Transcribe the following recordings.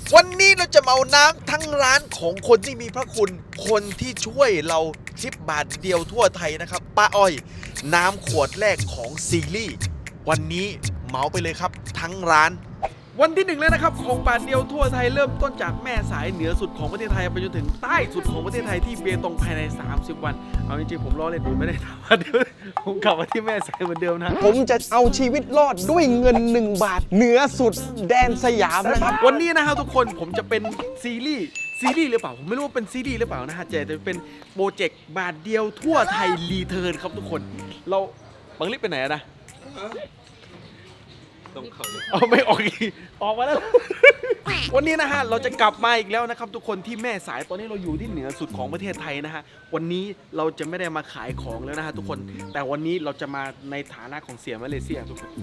วันนี้เราจะมาเอาน้ำทั้งร้านของคนที่มีพระคุณคนที่ช่วยเรา10 บาทเดียวทั่วไทยนะครับป้าอ้อยน้ำขวดแรกของซีรีส์วันนี้เหมาไปเลยครับทั้งร้านวันที่1แล้วนะครับของบาทเดียวทั่วไทยเริ่มต้นจากแม่สายเหนือสุดของประเทศไทยไปจนถึงใต้สุดของประเทศไทยที่เบตงภายใน30 วันเอาจริงๆผมล้อเล่นผมไม่ได้ทำเดี๋ยวผมกลับมาที่แม่สายเหมือนเดิมนะผมจะเอาชีวิตรอดด้วยเงิน1 บาทเหนือสุดแดนสยามนะครับวันนี้นะครับทุกคนผมจะเป็นซีรีส์หรือเปล่าผมไม่รู้ว่าเป็นซีรีส์หรือเปล่านะฮะแต่จะเป็นโปรเจกต์บาทเดียวทั่วไทยรีเทิร์นครับทุกคนเราบังลิฟไปไหนนะต้องเข้าเอาไม่ออกอีกออกมาแล้ว วันนี้นะฮะเราจะกลับมาอีกแล้วนะครับทุกคนที่แม่สายตอนนี้เราอยู่ที่เหนือสุดของประเทศไทยนะฮะวันนี้เราจะไม่ได้มาขายของแล้วนะฮะทุกคนแต่วันนี้เราจะมาในฐานะของเสียมาเลเซียทุกคน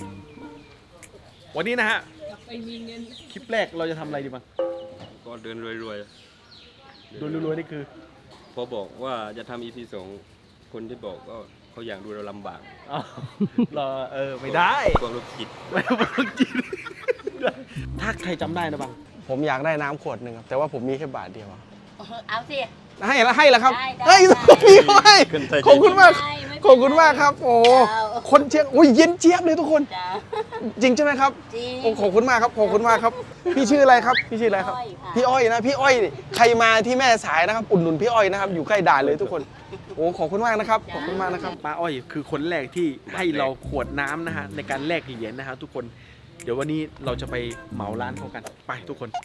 วันนี้นะฮะคลิปแรกเราจะทำอะไรดีบ้างก็เดินรวยๆรวยนี่คือพอบอกว่าจะทำ EP 2คนที่บอกก็เขาอยากดูเราลำบากเราไม่ได้กลัวโรคจิตไม่โรคจิตถ้าใครจำได้นะบังผมอยากได้น้ำขวดหนึ่งครับแต่ว่าผมมีแค่บาทเดียวเอาสิให้แล้วครับให้พี่ให้ขอบคุณมากขอบคุณมากครับโอ้คนเชียงอุ้ยเย็นเจี๊ยบเลยทุกคนจริงใช่ไหมครับจริงโอ้ขอบคุณมากครับขอบคุณมากครับพี่ชื่ออะไรครับพี่ชื่ออะไรครับพี่อ้อยนะพี่อ้อยใครมาที่แม่สายนะครับอุดหนุนพี่อ้อยนะครับอยู่ใกล้ด่านเลยทุกคนโอ้ขอบคุณมากนะครับขอบคุณมากนะครับป้าอ้อยคือคนแรกที่ให้เราขวดน้ำนะฮะในการแลกเหรียญนะฮะทุกคนเดี๋ยววันนี้เราจะไปเหมาร้านเขากันไปทุกคน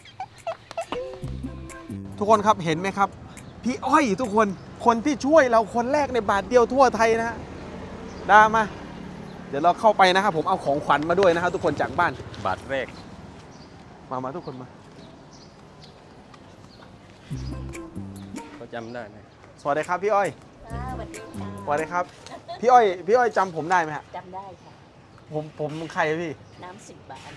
ครับเห็นไหมครับพี่อ้อยทุกคนที่ช่วยเราคนแรกในบาทเดียวทั่วไทยนะฮะดามาเดี๋ยวเราเข้าไปนะครับผมเอาของขวัญมาด้วยนะครับทุกคนจากบ้านบาทแรกมาทุกคนมาเขาจำได้ไหมสวัสดีครับพี่อ้อยสวัสดีครับพี่อ้อยจำผมได้ไหมฮะจำได้ค่ะผมใครพี่น้ำ10 บาท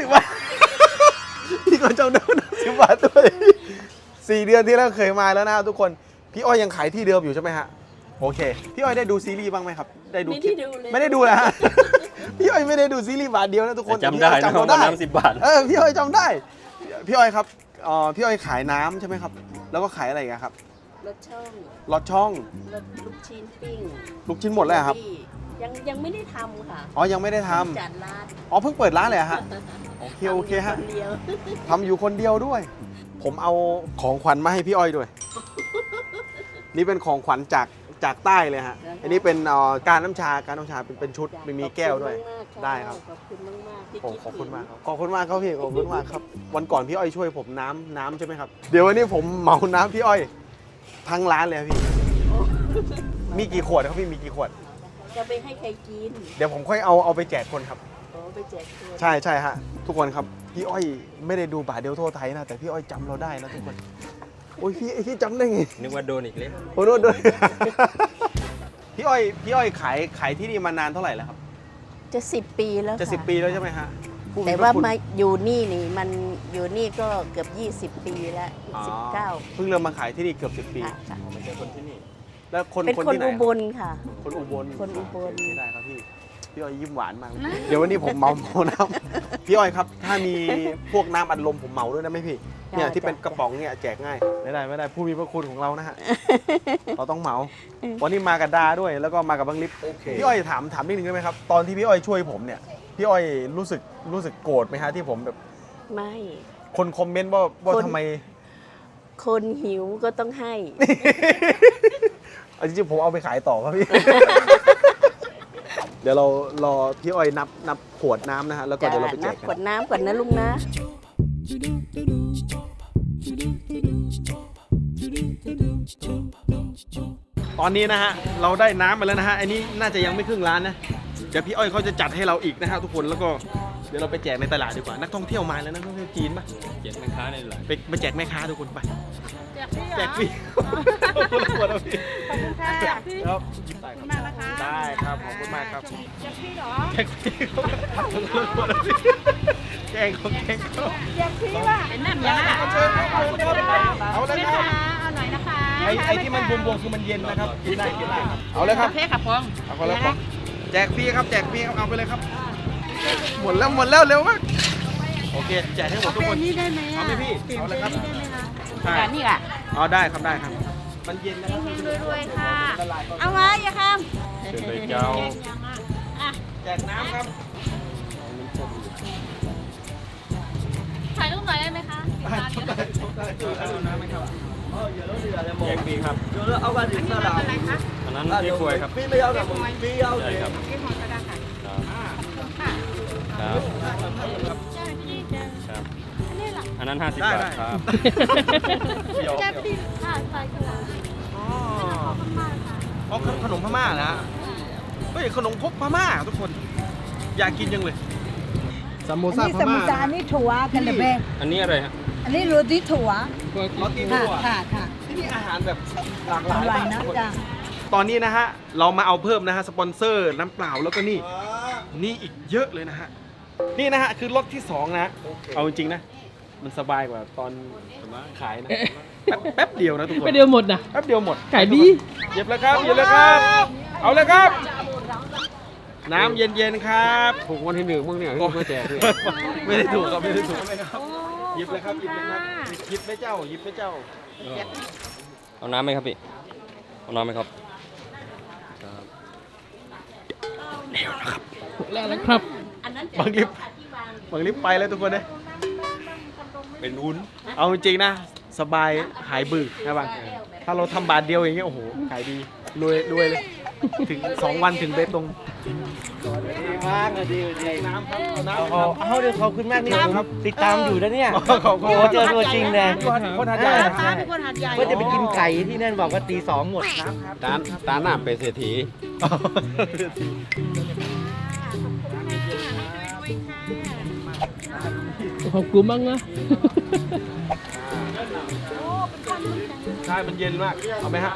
พี่ก็จำได้น้ำ10 บาทด้วย4 เดือนที่แล้วเคยมาแล้วนะทุกคนพี่อ้อยยังขายที่เดิมอยู่ใช่ไหมฮะโอเคพี่อ้อยได้ดูซีรีส์บ้างไหมครับได้ดูคลิปไม่ได้ดูนะฮะพี่อ้อยไม่ได้ดูซีรีส์บาทเดียวนะทุกคนจำได้นะน้ำ10 บาทพี่อ้อยจำได้พี่อ้อยครับพี่อ้อยขายน้ำใช่ไหมครับแล้วก็ขายอะไรกันครับรถช่องรถลูกชิ้นปิ้งลูกชิ้นหมดแล้วครับยังไม่ได้ทำค่ะยังไม่ได้ทำจัดร้านเพิ่งเปิดร้านเลยฮะโอเคฮะทำอยู่คนเดียวด้วยผมเอาของขวัญมาให้พี่อ้อยด้วยนี่เป็นของขวัญจากใต้เลยฮะอันนี้เป็นการน้ำชาเป็นชุดมีแก้วด้วยได้ครับขอบคุณมากขอบคุณมากครับขอบคุณมากครับพี่ขอบคุณมากครับวันก่อนพี่อ้อยช่วยผมน้ำใช่ไหมครับเดี๋ยววันนี้ผมเหมาน้ำพี่อ้อยทั้งร้านเลยพี่มีกี่ขวดครับพี่มีกี่ขวดจะไปให้ใครกินเดี๋ยวผมค่อยเอาไปแจกคนครับไปแจกคนใช่ฮะทุกคนครับพี่อ้อยไม่ได้ดูบาทเดียวทั่วไทยนะแต่พี่อ้อยจำเราได้นะทุกคนโอ้ยพี่จำได้ไงนึกว่าโดนอีกแล้วโดนพี่อ้อยขายที่นี่มานานเท่าไหร่แล้วครับจะ10 ปีแล้วจะ10 ปีแล้วใช่ไหมฮะแต่ว่ามาอยู่นี่มันอยู่นี่ก็เกือบ20 ปีแล้ว19 เพิ่งเริ่มมาขายที่นี่เกือบ10 ปีไม่ใช่คนที่นี่แล้วคนเป็นคนอุบลค่ะคนอุบลไม่ได้ครับพี่อ้อยยิ้มหวานมากเดี๋ยววันนี้ผมเมาน้ำพี่อ้อยครับถ้ามีพวกน้ำอัดลมผมเมาด้วยนะไหมพี่เนี่ยที่เป็นกระป๋องเนี่ยแจกง่ายไม่ได้ผู้มีพระคุณของเรานะฮะเราต้องเหมาวันนี้มากับดาด้วยแล้วก็มากับบังลิฟพี่อ้อยถามนิดนึงได้ไหมครับตอนที่พี่อ้อยช่วยผมเนี่ยพี่อ้อยรู้สึกโกรธไหมฮะที่ผมแบบไม่คนคอมเมนต์ว่าทำไมคนหิวก็ต้องให้จริงๆผมเอาไปขายต่อครับพี่เดี๋ยวเรารอพี่อ้อยนับขวดน้ำนะฮะแล้วก็เดี๋ยวเราไปแจกขวดน้ำก่อนนะลุงนะตอนนี้นะฮะเราได้น้ำมาแล้วนะฮะอันนี้น่าจะยังไม่ครึ่งร้านนะเดี๋ยวพี่อ้อยเขาจะจัดให้เราอีกนะฮะทุกคนแล้วก็เดี๋ยวเราไปแจกในตลาดดีกว่านักท่องเที่ยวมาแล้วนักท่องเที่ยวจีนป่ะแจกแม่ค้าในตลาดไปแจกแม่ค้าทุกคนไปแจกฟรีขอบคุณค่ะแจกฟรีครับได้ครับขอบคุณมากครับแจกฟรีเหรอแจกฟรีแกงของแกงเขาแจกฟรีว่ะเป็นน้ำยาเอาเลยครับเอาหน่อยนะคะไอ้ที่มันบวมๆคือมันเย็นนะครับกินได้ครับเอาเลยครับเพค่ะพงเอาคนละพงแจกฟรีครับเอาไปเลยครับหมดแล้วเร็วมากโอเคแจกให้หมดทุกคนนี่ได้ไหมเอาไหมพี่เอาเลยครับได้ไหมคะใช่นี่อ่ะอ๋อได้ครับได้ครับมันเย็นนะครับรวยๆค่ะละลายก่อนเอาไว้อย่าข้ามเชิญเลยเจ้าแจกน้ำครับถ่ายรูปหน่อยได้ไหมคะน้ำไหมครับแยกฟรีครับอันนี้รับอะไรคะอันนั้นพี่ควยครับเรียกหอยใช่ครับเรียกหอยก็ได้ค่ะครับค่ะครับเจ้าพี่เจ้าครับอันนี้หลังอันนั้น50 บาทครับเดี๋ยวเจ้าพี่ค่ะใส่กระดาษอ๋อมากค่ะอ๋อขนมพม่านะฮะเฮ้ยขนมครกพม่าทุกคน อยากกินยังเลยซัมโมอันซ่านี้พสมุม่าทรสาครนี่ถั่วกันเลยเบ้อันนี้อะไรฮะอันนี้โรตีถั่วโรตีค่ะถั่วค่ะค่ะที่นี่อาหารแบบหลากหลายอร่อยมากนะทุกคนจ้ะตอนนี้นะฮะเรามาเอาเพิ่มนะฮะสปอนเซอร์น้ำเปล่าแล้วก็นี่อีกเยอะเลยนะฮะนี่นะฮะคือรถที่สองนะเอาจริงๆนะมันสบายกว่าตอนขายนะแป๊บเดียวนะทุกคนไปเดียวหมดนะแป๊บเดียวหมดขายดีหยิบแล้วครับหยิบแล้วครับ เอาเลยครับ น้ำเย็นๆครับถูกวันที่หนึ่งมึงเนี่ยที่มาแจกเลยไม่ได้ถูกครับไม่ได้ถูกหยิบเลยครับหยิบเลยครับหยิบไปเจ้าหยิบไปเจ้าเอาน้ำไหมครับพี่ เอาน้ำไหมครับแล้วนะครับบางลิฟต์บางลิฟต์ไปแล้วทุกคนเลยเป็นวุ้นเอาจริงๆนะ สบายหายบึกนะบางถ้าเราทำบาทเดียวอย่างเงี้ยโอ้โหขายดีรวยเลย ถึง 2 วันถึงเบตงมากเลยดีน้ำครับน้ำครับเอาเดี๋ยวขอบคุณมากนี่ผมติดตามอยู่นะเนี่ยขอบคุณโอ้เจอตัวจริงเลยคนหาดใหญ่ป้าเป็นคนหัดใหญ่ก็จะไปกินไก่ที่นั่นบอกว่าตี 2หมดตาหน้าเป็นเศรษฐีขอบคุณมากนะใช่มันเย็นมาก เอาไหมฮะ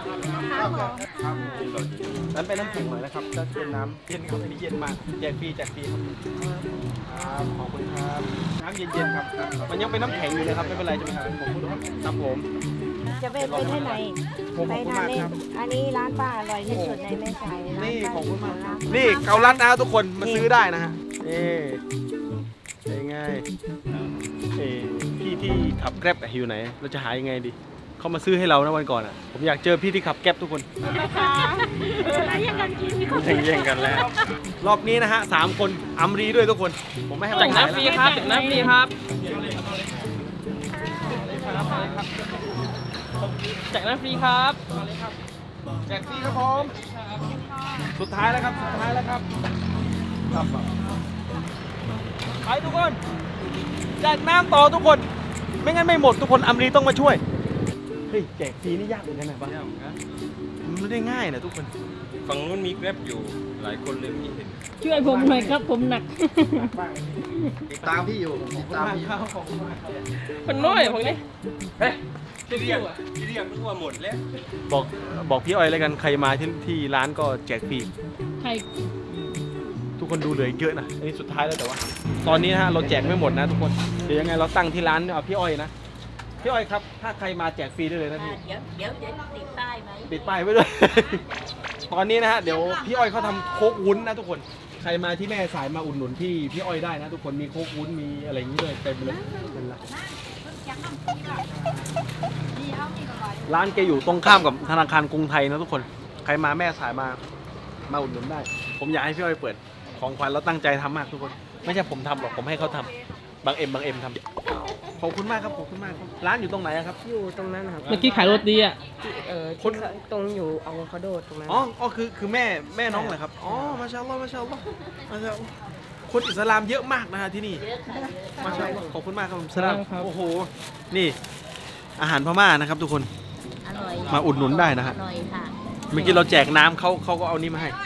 นั้นเป็นน้ำแข็งหน่อยนะครับจะเป็นน้ำเย็นครับอันนี้เย็นมากแจกฟรีครับครับขอบคุณครับน้ำเย็นๆครับ มันยังเป็นน้ำแข็งอยู่เลยครับไม่เป็นไรใช่ไหมครับผมครับผมจะไปที่ไหนผมขอบคุณมากครับอันนี้ร้านป้าอร่อยที่สุดในแม่สายนี่ขอบคุณมากครับนี่เกาลัดนะทุกคนมาซื้อได้นะฮะนี่เป็นไงพี่ที่ขับแกร็บอยู่ไหน เราจะหายังไงดีเขามาซื้อให้เรานะวันก่อนอ่ะผมอยากเจอพี่ที่ขับแกร็บทุกคนแย่งกันกินมีคนแย่งกันแล้วรอบนี้นะฮะ3 คนอัมรีด้วยทุกคน ผมไม่ให้แจกน้ำฟรีครับแจกน้ำฟรีครับแจกน้ำฟรีครับแจกฟรีครับผมสุดท้ายแล้วครับสุดท้ายแล้วครับไปทุกคนแจกน้ำต่อทุกคน ไม่งั้นไม่หมดทุกคนอัมรีต้องมาช่วยเฮ้ยแจกฟรีนี่ยากเหมือนกันนะบ้างมันไม่ได้ง่ายนะทุกคนฝั่งนู้นมีแกร็บอยู่หลายคนเลยไม่เห็นช่วยผมหน่อยครับผมหนักติดตามพี่อยู่ติดตามพี่ขอบคุณมากครับมันน้อยผมนี่ที่เรียกนึกว่าหมดแล้วบอกพี่อ้อยแล้วกันใครมาที่ร้านก็แจกฟรีใครทุกคนดูเหลืออีกเยอะนะอันนี้สุดท้ายแล้วแต่ว่า ตอนนี้นะฮะเราแจกไม่หมดนะทุกคนเดี๋ยวยังไงเราตั้งที่ร้านเอาพี่อ้อยนะพี่อ้อยครับถ้าใครมาแจกฟรีได้เลยนะพี่เดี๋ยวติดป้ายไหมปิดป้ายไว้ด้วย ตอนนี้นะฮะเดี๋ยวพี่อ้อยเขาทำโค้กวุ้นนะทุกคนใครมาที่แม่สายมาอุดหนุนพี่อ้อยได้นะทุกคนมีโค้กวุ้นมีอะไรอย่างนี้เลยเต็มเลยเป็นไรร้านแกอยู่ตรงข้ามกับธนาคารกรุงไทยนะทุกคนใครมาแม่สายมาอุดหนุนได้ ผมอยากให้พี่อ้อยเปิดของขวัญเราตั้งใจทำมากทุกคน ไม่ใช่ผมทำหรอกผมให้เขาทำบางเอ็มทำขอบคุณมากครับขอบคุณมากครับร้านอยู่ตรงไหนอะครับอยู่ตรงนั้นนะครับเมื่อกี้ขายโรตีอ่ะคนตรงอยู่อะโวคาโดตรงนั้นอ๋อคือแม่น้องเหรอครับอ๋อมาชาอัลลอฮ์มาชาอัลลอฮ์มาชาอัลลอฮ์คนอิสลามเยอะมากนะฮะที่นี่มาชาอัลลอฮ์ขอบคุณมากครับผมสลามครับโอ้โหนี่อาหารพม่านะครับทุกคนอร่อยมาอุดหนุนได้นะฮะอร่อยค่ะเมื่อกี้เราแจกน้ำเขาก็เอานี้มาให้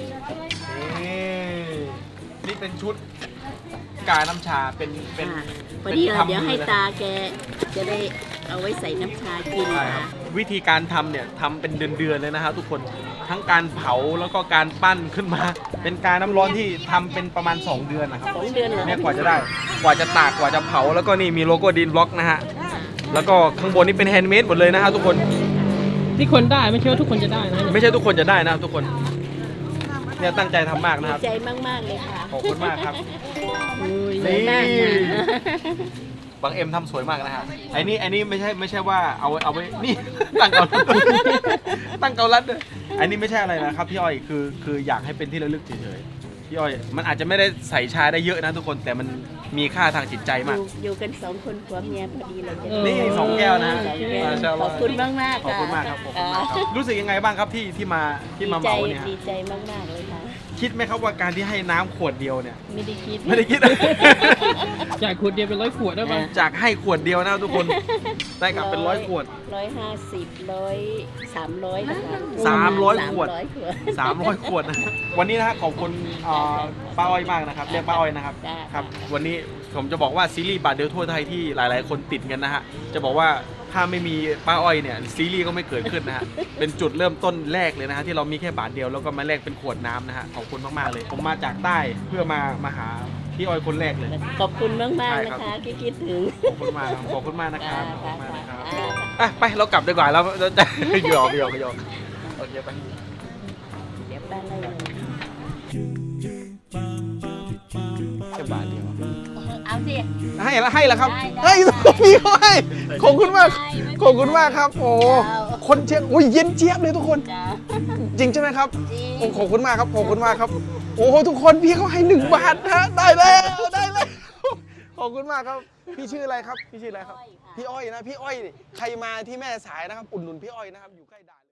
นี่เป็นชุดกาน้ำชาเป็นพอดีทำเดี๋ยวให้มือนะตาแกจะได้เอาไว้ใส่น้ำชากินใช่ครัค่ะบวิธีการทำเนี่ยทำเป็นเดือนๆเลยนะฮะทุกคนทั้งการเผาแล้วก็การปั้นขึ้นมา เป็นการน้ำร้อนที่ทำเป็นประมาณ 2 เดือนนะครับ 2 เดือนเหรอเนี่ยกว่าจะได้กว่าจะตากกว่าจะเผาแล้วก็นี่มีโลโก้ดินบล็อกนะฮะแล้วก็ข้างบนนี่เป็นแฮนด์เมดหมดเลยนะฮะทุกคนที่คนได้ไม่ใช่ว่าทุกคนจะได้นะไม่ใช่ทุกคนจะได้นะครับทุกคนเนี่ยตั้งใจทำมากนะดีครับใจมาก ๆ เลยค่ะขอบคุณมากครับสวยมากค่ะบางเอ็มทำสวยมากนะฮะไอ้นี่ไม่ใช่ว่าเอาไว้นี่ ตั้งเกาลัดตั้งเกาลัดด้วยไอ้นี่ไม่ใช่อะไรนะครับพี่อ้อยคืออยากให้เป็นที่ระลึกเฉยๆพี่อ้อยมันอาจจะไม่ได้ใส่ชาได้เยอะนะทุกคนแต่มันมีค่าทางจิตใจมากอยู่กัน2 คนผัวเมียพอดีเลยจะนี่2 แก้วนะฮะสองแก้วมาชาอัลขลอบคุณมากๆขอบคุณมากครับขอบคุณมากครับรู้สึกยังไงบ้างครับที่มาเหมาเนี่ยฮะดีใจมาก ๆ เลยค่ะคิดไหมครับว่าการที่ให้น้ำขวดเดียวเนี่ยไม่ได้คิดไม่ได้คิดจากขวดเดียวเป็น100 ขวดได้ปะจากให้ขวดเดียวนะทุกคนได้กลับเป็น100 ขวด 150 300นะคะ 300 ขวด 300 ขวด 300 ขวดนะวันนี้นะฮะขอบคุณป้าอ้อยมากนะครับเรียกป้าอ้อยนะครับจ้าครับวันนี้ผมจะบอกว่าซีรีส์บาทเดียวทั่วไทยที่หลายๆ คนติดกันนะฮะจะบอกว่าถ้าไม่มีป้าอ้อยเนี่ยซีรีส์ก็ไม่เกิดขึ้นนะฮะเป็นจุดเริ่มต้นแรกเลยนะฮะที่เรามีแค่บาทเดียวแล้วก็มาแลกเป็นขวดน้ำนะฮะขอบคุณมากๆเลย ผมมาจากใต้เพื่อมาหาพี่อ้อยคนแรกเลยขอบคุณมากใช่ๆครับนะคะที่คิดถึงขอบคุณมากครับขอบคุณมากนะครับขอบคุณมากนะครับจ้าอ่ะไปเรากลับดีกว่าแล้วจะหยอกโอเคไปเดี๋ยวป้าไล่เลยแค่บาทเดียวเอาสิให้แล้วครับได้พี่เขาให้ขอบคุณมากขอบคุณมากครับโอ้คนเชียงอุ้ยเย็นเจี๊ยบเลยทุกคนจ้าจริงใช่ไหมครับจริงโอ้ขอบคุณมากครับขอบคุณมากครับโอ้โหทุกคนพี่เขาให้1 บาทนะได้แล้วขอบคุณมากครับพี่ชื่ออะไรครับพี่ชื่ออะไรครับพี่อ้อยนะพี่อ้อยใครมาที่แม่สายนะครับอุดหนุนพี่อ้อยนะครับอยู่ใกล้ด่าน